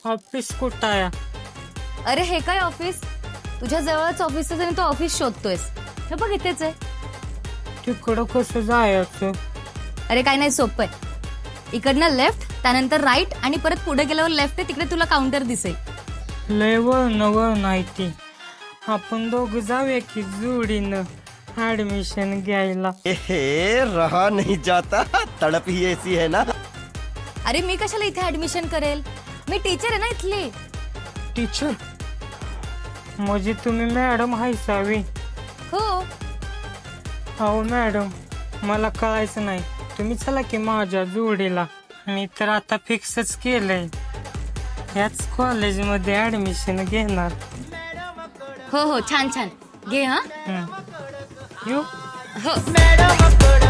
Office कुठं आहे? अरे हे काय ऑफिस? तुझ्या जवळच ऑफिस आहे आणि तू ऑफिस शोधतोयस. हे बघ इथेच आहे. तिकडं कसं जायचं? अरे काय नाही, सोपं आहे. इकडनं लेफ्ट, त्यानंतर राईट आणि परत पुढे गेल्यावर लेफ्ट आहे. तिकडे तुला काउंटर दिसेल. लय वळण नाही ती. आपण दोघं जाऊया की जोडीनं ऍडमिशन घ्यायला. रहा नहीं जाता, तड़प ही ऐसी है ना. अरे मी कशाला इथे ऍडमिशन करेल? मी टीचर आहे ना इथली. टीचर म्हणजे तुम्ही मॅडम हायसावी? हो. अहो मॅडम, मला कळायचं नाही. तुम्ही चला की माझ्या जोडीला. मी तर आता फिक्सच केलंय, याच कॉलेजमध्ये ऍडमिशन घेणार. हो हो, छान छान घे. हा येऊ? हो.